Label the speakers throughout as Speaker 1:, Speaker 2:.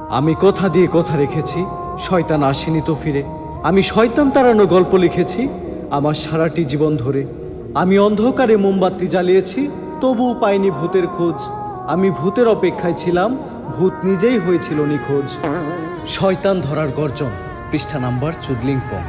Speaker 1: আমি কথা দিয়ে কথা রেখেছি, শয়তান আসেনি তো ফিরে। আমি শয়তান তাড়ানো গল্প লিখেছি আমার সারাটি জীবন ধরে। আমি অন্ধকারে মোমবাতি জ্বালিয়েছি, তবুও পাইনি ভূতের খোঁজ। আমি ভূতের অপেক্ষায় ছিলাম, ভূত নিজেই হয়েছিল নিখোঁজ। শয়তান ধরার গর্জন, পৃষ্ঠা নাম্বার চুদলিংপং।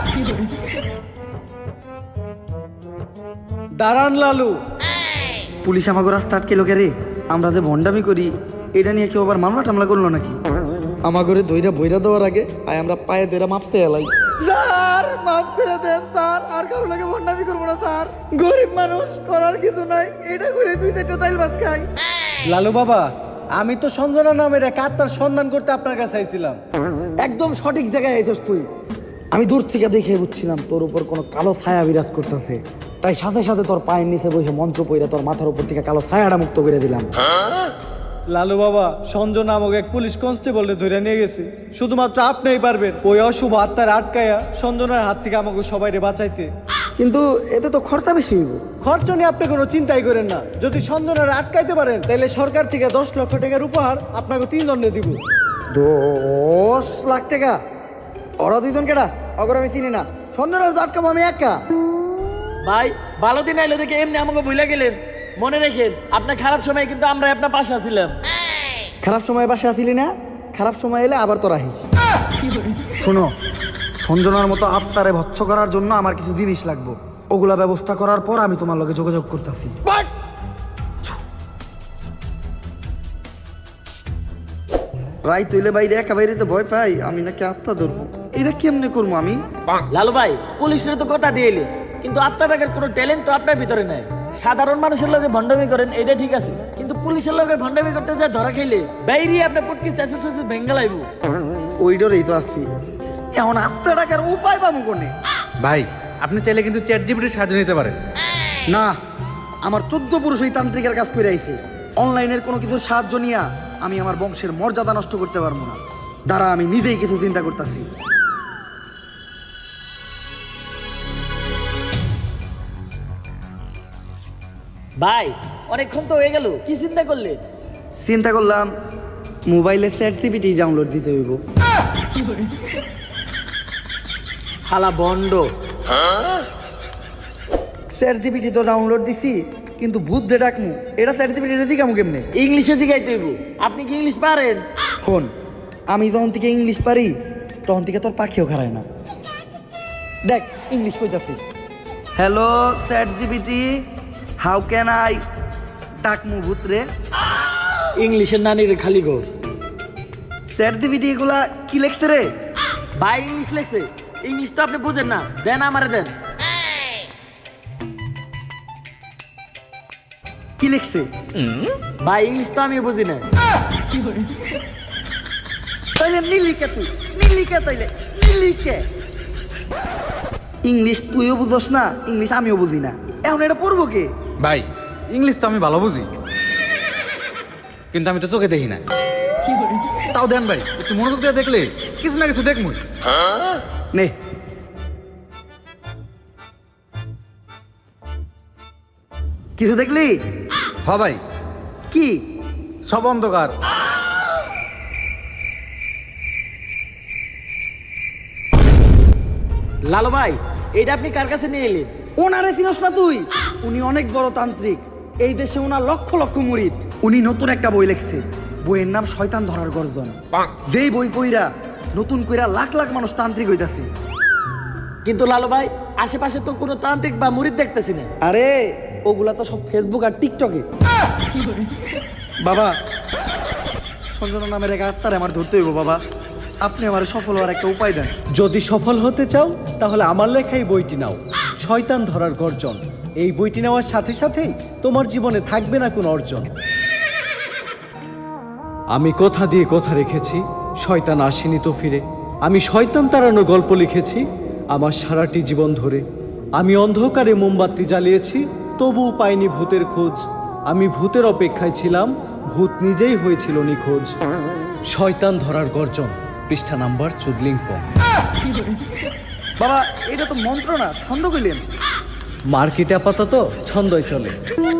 Speaker 1: দাঁড়ান লালু।
Speaker 2: পুলিশ আমাকে রাস্তা আটকে লোকে রে, আমরা যে ভণ্ডামি করি এটা নিয়ে কেউ আবার মামলা টামলা করলো নাকি? আমাগরে দইরা বইরা দেওয়ার আগে আয় আমরা পায়ে দইরা মাপতে এলাই। স্যার মাফ করে দেন স্যার, আর কারো লাগে ভণ্ডামি করবো না স্যার। গরিব মানুষ, করার কিছু নাই, এটা করে দুই চারটা তাইল ভাত খাই।
Speaker 1: লালু বাবা, আমি তো সঞ্জনা নামের এক আত্মার সন্ধান করতে আপনার কাছে আইছিলাম।
Speaker 2: একদম সঠিক জায়গায় আইছস তুই। আমি দূর থেকে দেখে বুঝছিলাম তোর উপর কোনো কালো ছায়া বিরাজ করতেছে, তাই সাথে সাথে তোর পায়ের নিচে বসে মন্ত্র পইরা তোর মাথার উপর থেকে কালো ছায়াটা মুক্ত করে দিলাম।
Speaker 1: লালু বাবা, সঞ্জনা নামক এক পুলিশ কনস্টেবলকে ধরে নিয়ে গেছে। শুধুমাত্র আপনিই পারবেন ওই অশুভ আত্মার আটকায়া সঞ্জনার হাত থেকে আমাকে সবাইরে বাঁচাইতে।
Speaker 2: কিন্তু এতে তো খরচা বেশি হইব।
Speaker 1: খরচ নিয়ে আপনি কোনো চিন্তাই করেন না। যদি সঞ্জনার আটকাইতে পারেন তাহলে সরকার থেকে 10 লক্ষ টাকার উপহার আপনাকে 3 জনে দিব।
Speaker 2: 10 লাখ টাকা? ওরা দুইজন কেডা? অগর আমি চিনি না। সন্ধ্যার আটকাবো আমি একা?
Speaker 3: ভাই ভালো দিন আইলো দেখে এমনি আমাকে ভুলে গেলেন। মনে রেখেন আপনার খারাপ সময় কিন্তু আমরা আপনার পাশে আছিলাম।
Speaker 2: খারাপ সময় বাসে আসিলি না, খারাপ সময় এলে আবার তোরা আহিস। শোনো, সঞ্জনার মতো আত্মারে ভৎস করার জন্য আমার কিছু জিনিস লাগবে, ওগুলা ব্যবস্থা করার পর আমি তোমার লগে যোগাযোগ করতেছি। রাই তৈলে বাইরে একা বাইরে তো ভয় পাই, আমি নাকি আত্মা ধরবো, এটা কেমনে করবো আমি?
Speaker 3: লালু ভাই পুলিশের তো কথা দিয়ে এলেন, কিন্তু আপনার ব্যাগের কোনো ট্যালেন্ট তো আপনার ভিতরে নাই। সাধারণ মানুষের লগে ভণ্ডামি করেন এটা ঠিক আছে, কিন্তু পুলিশের লগে ভণ্ডামি করতে যা ধরা খাইলে বাইরে আপনার পটকি চাষে চাষে ভেঙ্গা লাইব।
Speaker 2: ওই ডরেই তো আসছি। এখন আত্মা টাকার উপায় পাবো কোনে?
Speaker 4: ভাই আপনি চাইলে কিন্তু চ্যাটজিপিটির সাহায্য নিতে পারেন।
Speaker 2: না, আমার 14 পুরুষ ওই তান্ত্রিকের কাজ করে আইছে। অনলাইনের কোনো কিছু সাহায্য নিয়ে আমি আমার বংশের মর্যাদা নষ্ট করতে পারবো না। দ্বারা আমি নিজেই কিছু চিন্তা করতেছি।
Speaker 3: ভাই অনেকক্ষণ তো হয়ে গেল, কি চিন্তা করলে?
Speaker 2: চিন্তা করলাম মোবাইলে চ্যাটজিপিটি ডাউনলোড দিতে হইব।
Speaker 3: হালা বন্ড।
Speaker 2: চ্যাটজিপিটি তো ডাউনলোড দিছি, কিন্তু ভূত দে ডাকমু, এটা চ্যাটজিপিটি দিকামু কেমনে?
Speaker 3: ইংলিশে শিখাইতে হইব। আপনি কি ইংলিশ পারেন?
Speaker 2: ফোন, আমি যখন থেকে ইংলিশ পারি তখন থেকে তোর পাখিও খারায় না। দেখ ইংলিশ কইতাছি। Hello ChatGPT, how can I ডাকমু ভূত রে?
Speaker 3: ইংলিশের নানির খালি ঘর।
Speaker 2: চ্যাটজিপিটি এগুলা কি লেখছে রে?
Speaker 3: ভাই ইংলিশ লেখছে, ইংলিশ তো আপনি বুঝেন না, দেন আমারে দেন।
Speaker 2: কি লিখছে?
Speaker 3: ভাই ইংলিশ তো আমি বুঝি না।
Speaker 2: তাইলে নীলিকে, তুই নীলিকে, তাইলে নীলিকে। ইংলিশ তুইও বুঝস না, ইংলিশ আমিও বুঝি না, এখন এটা পড়বো কে?
Speaker 4: ভাই ইংলিশ তো আমি ভালো বুঝি, কিন্তু আমি তো চোখে দেখি না। তাও দেন ভাই, একটু মনোযোগ দিয়ে দেখলে কিছু না কিছু দেখমু।
Speaker 2: নে, কিছু দেখলি?
Speaker 4: হ ভাই,
Speaker 2: কি?
Speaker 4: সব অন্ধকার।
Speaker 3: লালু ভাই এটা আপনি কার কাছে নিয়ে এলেন?
Speaker 2: ওনারে চিনস না তুই? উনি অনেক বড় তান্ত্রিক, এই দেশে ওনার লক্ষ লক্ষ মুরিদ। উনি নতুন একটা বই লিখছে, বইয়ের নাম শয়তান ধরার গর্জন। যেই বই পইরা নতুন কইরা লাখ লাখ মানুষ তান্ত্রিক হইতাছে।
Speaker 3: কিন্তু লালু ভাই আশেপাশে তো কোনো তান্ত্রিক বা মুরিদ দেখতেছি না।
Speaker 2: আরে ওগুলা তো সব ফেসবুক আর টিকটকে। বাবা, সঞ্জনা নামের এক আত্মারে আমার ধরতে হইব বাবা, আপনি আমার সফল হওয়ার একটা উপায় দেন।
Speaker 1: যদি সফল হতে চাও তাহলে আমার লেখা এই বইটি নাও, শয়তান ধরার গর্জন। এই বইটি নেওয়ার সাথে সাথেই তোমার জীবনে থাকবে না কোনো অর্জন। আমি কথা দিয়ে কথা রেখেছি, শয়তান আসেনি তো ফিরে। আমি শয়তান তাড়ানো গল্প লিখেছি আমার সারাটি জীবন ধরে। আমি অন্ধকারে মোমবাতি জ্বালিয়েছি, তবুও পাইনি ভূতের খোঁজ। আমি ভূতের অপেক্ষায় ছিলাম, ভূত নিজেই হয়েছিল নিখোঁজ। শয়তান ধরার গর্জন, পৃষ্ঠা নাম্বার চুদলিংপং।
Speaker 2: বাবা এটা তো মন্ত্র না, ছন্দ কইলেন।
Speaker 1: মার্কেটে আপাতত ছন্দই চলে।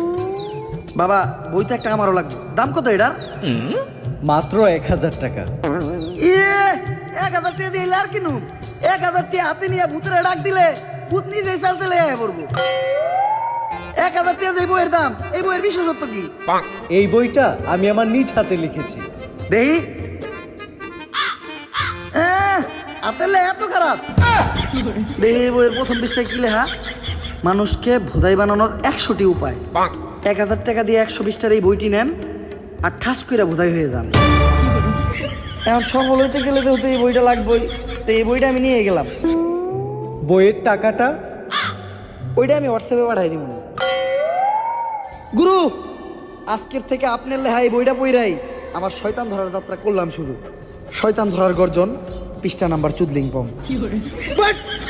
Speaker 2: বাবা বইটা একটা আমারও লাগবে, দাম কত এটা?
Speaker 1: মাত্র 1000 টাকা।
Speaker 2: 1000 টাকা দিয়ে আর কিনু 1000 টাকা হাতে নিয়ে ভূতের ডাক দিলে ভূত নিজেই চালতে লেগে পড়বো 1000 টাকা দিয়ে বইয়ের দাম এই বইয়ের বিশেষত্ব কি
Speaker 1: এই বইটা আমি আমার নিজ হাতে লিখেছি।
Speaker 2: দেহি আতেলে এত খারাপ দেহি এই বইয়ের প্রথম পৃষ্ঠায় কি লেখা মানুষকে ভোদাই বানানোর 100টি উপায় 1000 টাকা দিয়ে 120টার এই বইটি নেন আর ঠাস করে ভোদাই হয়ে যান এখন সফল হইতে গেলে তো এই বইটা লাগবেই তো এই বইটা আমি নিয়ে গেলাম
Speaker 1: বইয়ের টাকাটা
Speaker 2: ওইটা আমি হোয়াটসঅ্যাপে পাঠাই দিব গুরু আজকের থেকে আপনার লেহাই বইটা পইরাই আমার শয়তান ধরার যাত্রা করলাম শুরু শয়তান ধরার গর্জন পৃষ্ঠা নাম্বার চুদলিং পম